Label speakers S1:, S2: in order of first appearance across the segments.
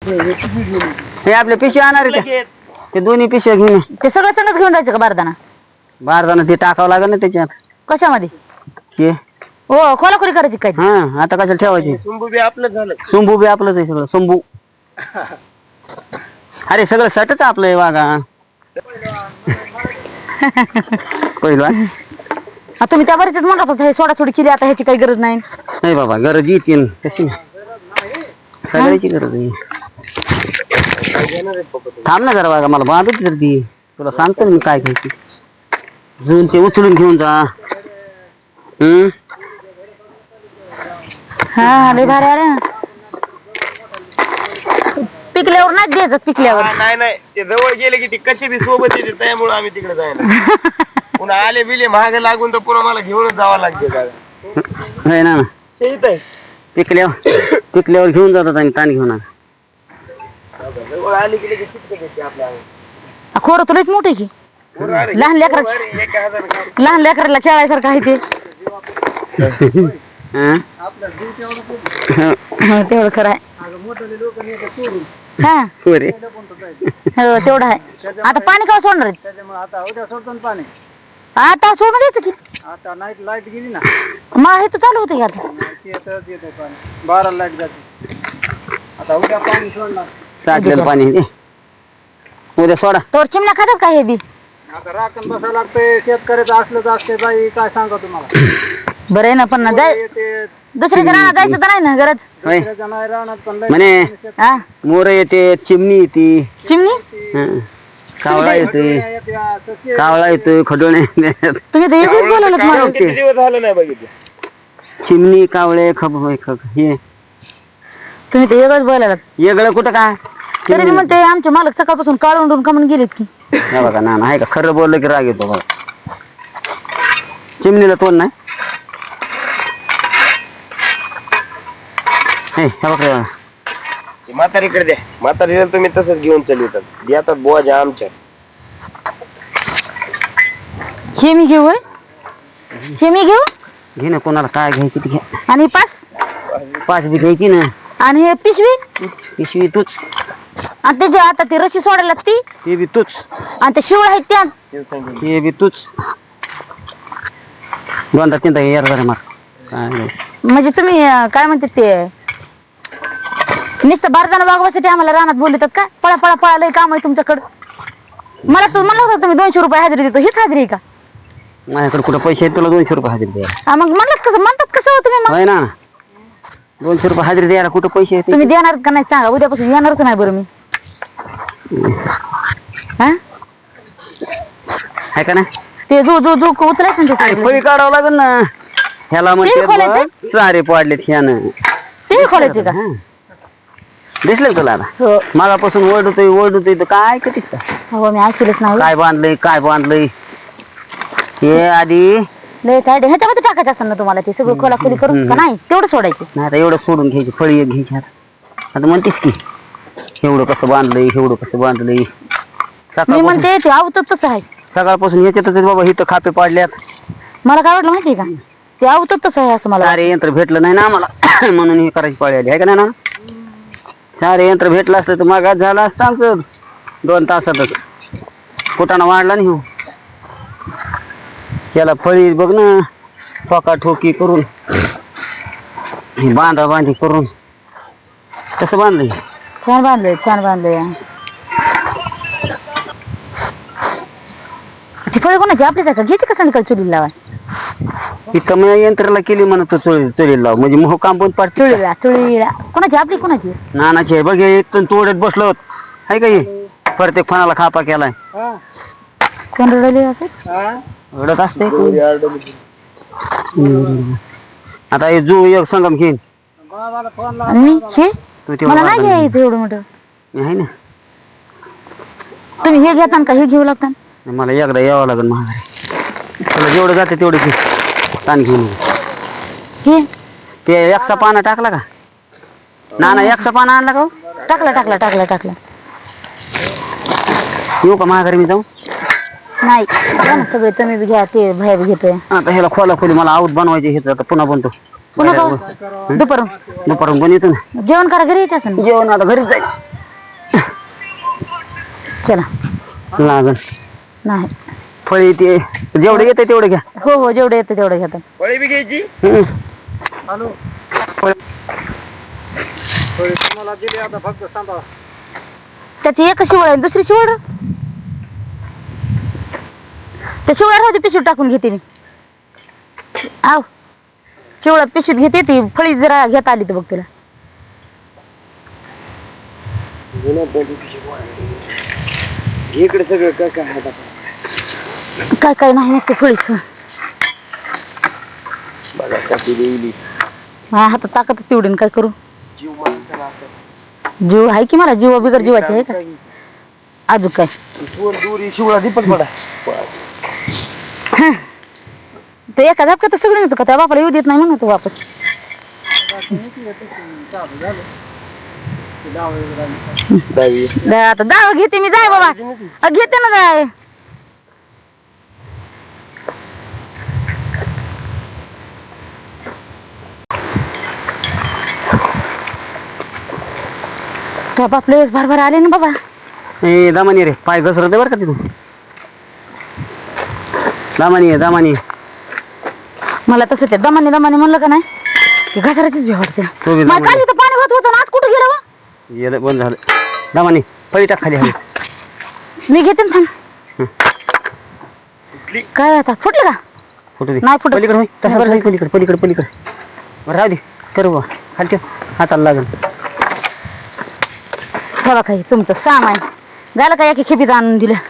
S1: हे आपले पिशवी आणणार आहे का? ते दोन्ही पिशव्या घेऊन ये.
S2: ते सगळं चणच घेऊन जायचं का बारदाना?
S1: बारदाना ते टाकावं लागेल ना त्याच्यात.
S2: कशामध्ये?
S1: हे
S2: हो खोलाखोली करायची काय?
S1: हा आता कशाला ठेवायची?
S3: सुंबू बी आपलं झालं.
S1: सुंबू बी आपलंच आहे सगळं. सुंबू अरे सगळं सटच आपलं आहे वागा. पहिलं
S2: तुम्ही त्या बरेच म्हणत होता हे सोडा थोडी केली, आता ह्याची काही गरज नाही.
S1: नाही बाबा गरज येते कशी सगळ्याची गरज आहे. थांब ना जरा वागा, मला बांधत तर ती तुला सांगतो मी काय घ्यायची. जुन ते उचलून घेऊन जा.
S2: हा लय भारी आले. पिकल्यावर नाही द्यायचं. पिकल्यावर
S3: नाही नाही, ते जवळ गेले की ती कच्ची बी सोबत येते, त्यामुळे आम्ही तिकडे जायला. पुन्हा आले बिले महाग लागून तर पुन्हा मला घेऊनच जावं लागते.
S1: नाही ना
S3: ते इथं आहे.
S1: पिकल्यावर घेऊन जातात आणि ताण घेऊन आला.
S3: जवळ आले की लगेच चिटके घेते आपल्या.
S2: खोरं तुलाच मोठे की लहान लेकरा,
S3: 1000
S2: लहान लेकराला खेळायसारखं आहे ते. तेवढं खरं आहे. हा
S1: बरे
S2: हो तेवढं आहे. आता पाणी का सोडणार आहेत?
S3: आता उद्या सोडतो ना पाणी.
S2: आता सोडून द्यायचं की.
S3: आता नाईट लाईट गेली ना,
S2: मग हे तर चालू होतं की आता.
S3: येतं पाणी 12 लाईट जाते. आता उद्या पाणी सोडणार.
S1: साठलेलं पाणी दे. उद्या सोडा.
S2: तोर चिमण्या खातात का हे बी?
S3: आता राखण बसायला लागतंय. शेतकऱ्याचं असलं तर असते बाई, काय सांगा तुम्हाला.
S2: बरं आहे ना, पण ना जाय
S3: ते
S2: दुसऱ्याच्या रानात जायचं तर नाही ना गरज.
S1: होय.
S3: दुसऱ्याच्या नाही राहणार पण लय
S1: म्हणे
S2: हा
S1: मोर येते, चिमणी येते,
S2: चिमणी
S1: कावळा येते,
S3: येते, तशी
S1: कावळा येतोय, खडोणे
S2: तुम्ही तर एकच बोलायला मला.
S3: किती दिवस झालं नाही बघितलं.
S1: चिमणी कावळे हे
S2: तुम्ही तर एकच बोलायला.
S1: वेगळं कुठं काय.
S2: तरी मी म्हणते आमचे मालक सकाळपासून काळून कमून गेलेत की.
S1: हे बघा ना आहे का, खरं बोललं की राग येतो बघा. चिमणीला तोंड नाही. हे बघा
S3: म्हातारीकडे द्या. म्हातारीला तुम्ही तसंच घेऊन चालवतात. देतात बोजा आमच्या.
S2: शेमी घेऊ होय? शेमी घेऊ
S1: घे ना, कोणाला काय घ्यायची ती घ्या.
S2: आणि
S1: पाच बी घ्यायची ना.
S2: आणि हे पिशवी
S1: पिशवी तूच,
S2: आणि त्याची आता ती रशी सोडायला ती,
S1: ते बी तूच,
S2: आणि ते शिवळ आहेत त्या.
S1: ते बी तूच. दोनदा तीनदा यार जरा मार. काय नाही.
S2: म्हणजे तुम्ही काय म्हणते ते नुसतं बारदाना वागवासाठी आम्हाला रानात बोलतात का? पळा पळा पळा लय काम आहे तुमच्याकडं. मला होतं तुम्ही 200 रुपये हजेरी देतो, हीच हजेरी आहे का?
S1: माझ्याकडे कुठं पैसे आहेत तुला 200 रुपये हजेरी द्यायला?
S2: मग म्हणतात कसं हो तुम्ही? मग
S1: होय ना, 200 रुपये हजेरी द्यायला कुठं पैसे आहेत?
S2: तुम्ही देणार का नाही सांगा, उद्यापासून येणारच नाही बरं मी. हा
S1: आहे का ना,
S2: ते जो जो जो उतरायचं ना
S1: आणि
S2: ते
S1: फळी काढावं लागेल ना. ह्याला
S2: खोलायचं?
S1: म्हणते सारे पाडलेत ह्यानं.
S2: ते खोलायचे का?
S1: दिसलं तुला आता?
S2: हो
S1: मागापासून ओरडतोय तर काय कितीस का
S2: हो मी ऐकलंच नाही.
S1: काय बांधलंय हे आधी
S2: लय काय ह्याच्यामध्ये टाकायचं असतं ना तुम्हाला, ते सगळं खोलाखोली करून का नाही तेवढं सोडायचं.
S1: नाही आता एवढं सोडून घ्यायची, फळी एक घ्यायची. आता म्हणतेस की एवढं कसं बांधलंय.
S2: मी
S1: सकाळपासून
S2: म्हणते ते आवतच तसं आहे.
S1: सकाळपासून याच्यातच बाबा हिथं खापे पाडल्यात.
S2: मला काय वाटलं माहितीये का, ते आवतच तसं आहे असं मला.
S1: सारे यंत्र भेटलं नाही ना आम्हाला म्हणून हे करायची पाळी आली आहे का नाही ना. सारे यंत्र भेटलं असतं तर मागात झालं असतं आमचं 2 तासातच. कुटाणा वाढला नाही हो. त्याला फळी बघ ना, ठोका ठोकी करून बांधी करून कसं बांधलंय.
S2: छान बांधलंय. ती फळी कोणाची आपलीच आहे का? घेते का संध्याकाळी चुलीला लावा?
S1: इथं मग यंत्राला केली म्हणत चोरी लाव म्हणजे मोह काम पण पाठ.
S2: चुलीला कोणाची? आपली कोणाची?
S1: नानाची आहे बघ. इथून तोडत बसलो होत आहे का. हे प्रत्येक फणाला खापा केलाय.
S2: कोण रडले असं
S1: रडत असते. आता हे जू एक संगम घेईन.
S2: आणि मी हे
S1: तू तेवढं
S2: मला नाही
S1: वाढलं
S2: घ्यायचं एवढं मोठं.
S1: मी आहे ना.
S2: तुम्ही हे घेता का हे घेऊ लागता?
S1: मला एकदा यावं लागेल महागारी. तुला जेवढं जाते तेवढे घे. ताण घेऊन
S2: हे
S1: ते एकचा पाना टाकला का नाना? एकचा पाना आणला का?
S2: टाकला
S1: येऊ का महागारी मी जाऊ?
S2: नाही घ्या ना सगळे, तुम्ही बी घ्या, ते बाहेर घेतोय.
S1: आता ह्याला खोली मला आऊत बनवायचे हे. आता पुन्हा बनतो.
S2: पुन्हा दुपारून
S1: दुपारून पण येतो ना
S2: जेवण करा, घरी यायचं.
S1: जेवण आता घरीच जाईल.
S2: चला
S1: लागल
S2: नाही
S1: फळी ते जेवढं येते तेवढं घ्या.
S2: हो हो जेवढं येतं तेवढं घेतात.
S3: फळी बी घ्यायची.
S1: हम्म.
S2: त्याची एक शिवळ आहे दुसरी शिवळ त्या शिवळ्यात होती पिशवीत टाकून घेते मी. आव शिवळात पिशवीत घेते ती फळी जरा घेता आली तर बघ तुला.
S3: इकडे सगळं काय काय हातात.
S2: काय काय नाही नसते फळीच.
S3: बघा कशी देईली.
S2: माझ्या हातात ताकदच तेवढी काय करू.
S3: जीव माणसाला असं.
S2: जीव आहे की मला जीव बिगर जीवाची आहे का अजून काय.
S3: दूर शिवळा दीपक पडा.
S2: ते एका झपक्यात सगळं येतं का त्या बापाला येऊ देत नाही म्हणून तू वापस. आता दावा घेते मी जाय बाबा घेते ना जाय. त्या बापले भरभर आले ना बाबा.
S1: ए दामानी रे पाय घसरत बरं का तिथून. दामानी आहे दामानी.
S2: मला तसं ते दमाने दमाने म्हणलं का नाही की घसाराचीच भीती वाटते.
S1: तो बी
S2: मला
S1: दमाने.
S2: काल इथं पाणी होत होतं ना आज कुठं गेलं वा?
S1: येलं बंद झालं. दामानी फळी टाक खाली हवी.
S2: मी घेते ना थांब. काय आता फुटलं का
S1: फोटो दे.
S2: नाही फुटत.
S1: पलीकडे होय तसं बरं पलीकडे पलीकडे पलीकडे. बरं राहू दे करू बा खाली ठेव हाताला लागल.
S2: ठेवा काही तुमचं सामान झालं का एका खेपीत आणून दिलं.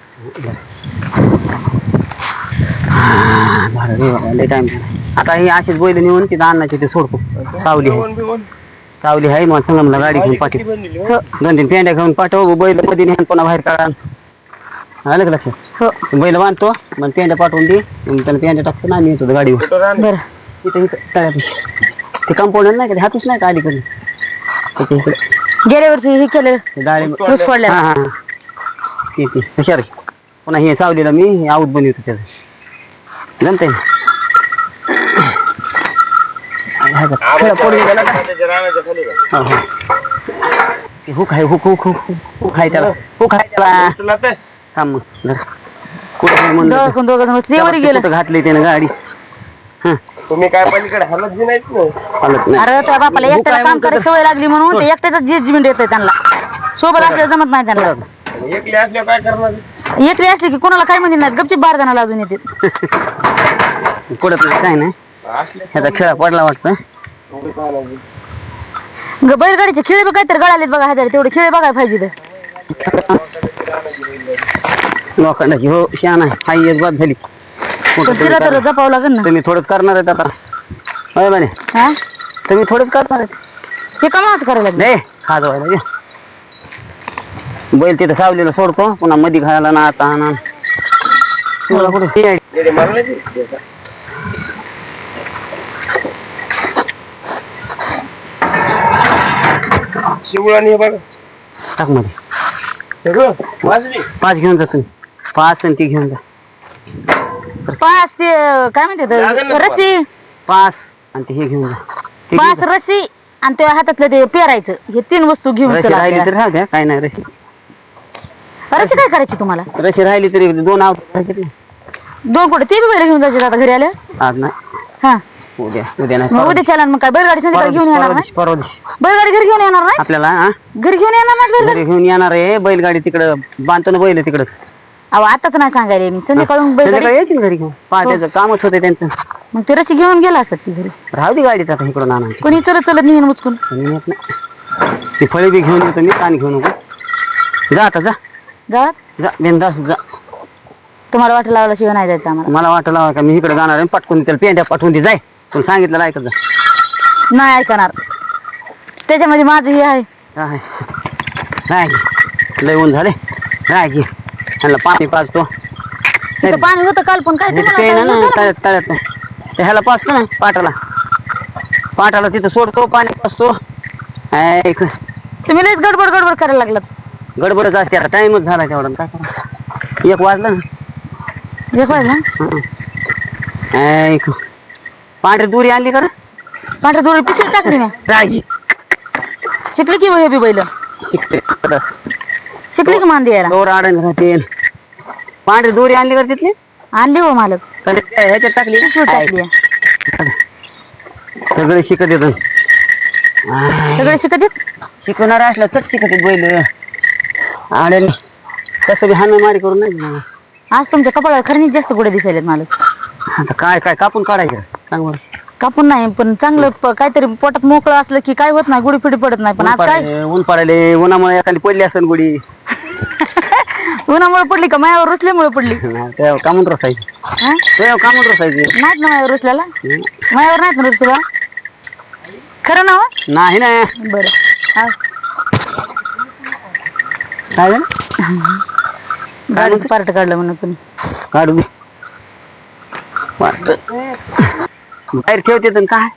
S1: बरं रे बाबा लय टाइम झाला. आता ही अशीच बैल नेऊन तिथं अन्नाची ते सोडतो. सावली आहे सावली आहे मग सांगा मला गाडी घेऊन पाठव. 2-3 पेंड्या घेऊन पाठव बैल मध्ये नेऊन पुन्हा बाहेर काढा. आलं का लक्षात.
S2: हो
S1: बैल बांधतो मग पेंड्या पाठवून दे मग त्याला पेंड्या टाकतो ना आम्ही येतो गाडीवर.
S2: बरं
S1: इथं इथं तळ्यापाशी ते कंपाऊंडर नाही का ते हातच नाही का अलीकडे त्याच्या इकडे
S2: गेल्या वर्षी हे केलं
S1: ते डाळिंब
S2: ऊस पडल्या.
S1: हा हा ते हुशार आहे. पुन्हा हे सावलीला मी आऊत बनवतो त्याचं जमतंय ना. पडून गेला का? हो, हो. ते हुक आहे हुक हुक हुक हुक आहे त्याला हुक आहे त्याला. थांब मग जरा. कुठं म्हणलं
S2: वरी गेलं.
S1: कुठं घातली त्यानं गाडी. हा
S3: तुम्ही काय पलीकडे हलत बी नाहीत ना.
S1: हालत नाही.
S2: अरे त्या बापाला
S1: हुक
S2: एकट्याला
S1: आहे
S2: काम
S1: म्हणतो
S2: करायची सवय लागली म्हणून ते एकट्याच जजमेंट येतंय त्यांना. सोबत असल्यावर जमत नाही त्यांना.
S3: एकले असल्या काय करणार.
S2: एकली असली की कोणाला काय म्हणजे नाही गपचीप बार जणाला अजून येते.
S1: कुठं काय नाही ह्याचा खेळा पडला वाटतं.
S2: बैलगाडीचे खेळे बी काहीतरी गळालेत बघा हजार तेवढे खेळे बघायला पाहिजे.
S1: लोखंडाची हो शान आहे हाई एक बात झाली.
S2: पण तिला तर जपावं लागेल ना.
S1: तुम्ही थोडंच करणार आहेत आता होय म्हणे
S2: हा
S1: तुम्ही थोडंच करणार आहेत.
S2: हे काम असं करायला लागलं.
S1: नाही खा जावायला बैल तिथं सावलीला सोडतो पुन्हा मध्ये घालायला ना आता ना तुला कुठं ती आहे.
S3: शिवळा नाही बघा
S1: टाक मध्ये
S3: वाजली.
S1: 5 घेऊन जा तुम्ही 5 आणि ती घेऊन जा.
S2: पाच ते काय म्हणते
S3: लागेल ना
S2: रशी
S1: 5 आणि ते हे घेऊन जा. ते घेऊन
S2: पाच रशी आणि त्या हातातलं ते पेरायचं हे 3 वस्तू घेऊन
S1: रशी
S2: चला
S1: राहिली
S2: आपल्याला.
S1: तरी राहू द्या काय नाही रशी
S2: रशी काय करायची तुम्हाला
S1: रशी राहिली तरी 2 आवत
S2: 2 कुठे ते बी बैल घेऊन जायचे आता घरी आल्या.
S1: आज नाही
S2: हा
S1: उद्या नाही
S2: मग उद्या चला मग काय बैलगाडी संध्याकाळी घेऊन येणार नाही.
S1: परवा दिवशी
S2: बैलगाडी घरी घेऊन येणार नाही.
S1: आपल्याला हा
S2: घरी घेऊन येणार नाही बैलगाडी.
S1: घरी घेऊन येणार आहे बैलगाडी तिकडं बांधतो ना बैल तिकडं
S2: अहो आताच नाही सांगायला मी संध्याकाळून बैलगाडी
S1: संध्याकाळी येतील घरी घेऊन पहाटेचं कामच होते त्यांचं.
S2: मग ते रशी घेऊन गेला असतात ती घरी.
S1: राहू दे गाडीत आता इकडं नाना
S2: कोणी चलत चलत नेहन मुचकून.
S1: येत नाही ती फळी बी घेऊन येतो मी पाणी घेऊन नको जा आता जा
S2: गावात
S1: जा बिनधास्त जा.
S2: तुम्हाला वाटलं लावला शिवाय नाही जायचं आम्हाला.
S1: मला वाटलं का मी इकडे जाणार आहे पटकून त्याला पेंड्या पाठवून दे जाय पण सांगितलं ऐकत जा.
S2: नाही ऐकणार त्याच्यामध्ये माझं हे आहे.
S1: काय राहायची लय ऊन झाले राहायची त्यांना पाणी पाजतो
S2: तिथं पाणी होतं काल पण काय तुम्हाला
S1: पेन
S2: काय
S1: ना
S2: झालं?
S1: तळ्यात तळ्यात ते ह्याला पाजतो ना पाटाला तिथं सोडतो पाणी पाजतो. ऐक
S2: तुम्ही लयच गडबड गडबड करायला लागलात.
S1: गडबडच असते आता टाइमच झाला तेवढा काय करा 1 वाजला ना.
S2: एक वाजला
S1: ऐक पांढरी दुरी आणली का रे?
S2: पांढऱ्या दोरी पिशवीत टाकली ना.
S1: राहायची
S2: शिकली की हे बी बैल
S1: शिकते
S2: शिकली का मांदी यायला
S1: दोर आडण राहते पांढरी दोरी आणली का तिथली
S2: आणली हो मालक
S1: तर ह्याच्यात टाकली
S2: पिशवीत टाकली
S1: सगळे शिकत येत
S2: सगळे शिकत येत
S1: शिकवणार असला चट शिकत येत बैल आड्याने तसं बी हाण मारी करून नाही देणार.
S2: आज तुमच्या कपाळावर खरंच जास्त गोडे दिसायलेत मालक
S1: आता काय काय कापून काढायचं सांग बरं
S2: कापून नाही पण चांगलं काहीतरी पोटात मोकळं असलं की काय होत नाही गुडी फिडी पडत नाही पण आज काय
S1: ऊन पडायले उन्हामुळे एखादी पडली असेल गुडी
S2: उन्हामुळे पडली का मायावर रुसल्यामुळे पडली
S1: तेव्हा कामून रसायची
S2: हा?
S1: तेव्हा कामून रसायची
S2: नाहीत ना मायावर रुसल्याला मायावर नाहीत ना रुसला खरं ना हो?
S1: नाही ना
S2: बरं हा.
S1: काय झालं
S2: गाडीचं पार्ट काढलं म्हणून पण
S1: काढू दे बाहेर ठेवते तर काय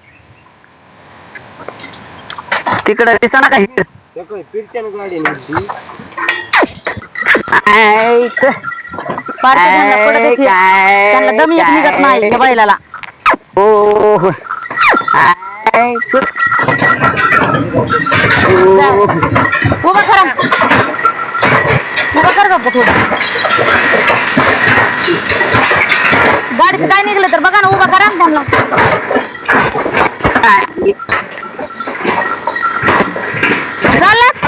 S1: तिकडं दिसना काय
S3: फिरत्यानं गाडी नेली.
S2: पार्ट त्यांना पडत होती. त्यांना दम येत निघत नाही त्या बैलाला
S1: हो
S2: उभा करा उभा कर गप्प थोडं गाडीचं काय निघलं तर बघा ना उभा करा ना त्यांना चाललं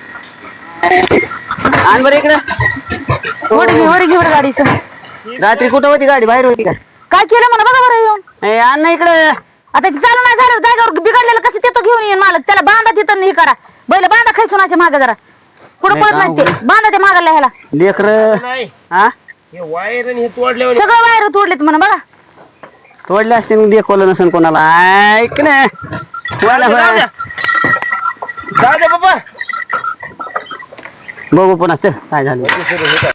S1: आण बरं इकडं
S2: वर घेऊन गाडीचं
S1: रात्री कुठं होती गाडी बाहेर होती का
S2: काय केलं म्हणा बघा बरं येऊन
S1: आण ना इकडं
S2: आता ते चालू नाही झालं जागेवर बिघडलेलं कसं तिथं घेऊन येईन मालक त्याला बांधा तिथं हे करा बैल बांधा खैसूनाच्या मागे जरा पुढं पडत नाही ते बांधा ते मागायला ह्याला
S1: लेकर
S3: नाही
S1: हा
S3: हे वायर आणि हे तोडल्यावर
S2: सगळं वायर तोडलेत म्हणा बघा
S1: तोडले असते मग देखवलं नसेल कोणाला ऐक ना व्हायला व्हायला.
S3: जाऊ द्या बाबा
S1: बघू पुन्हा चल काय झालं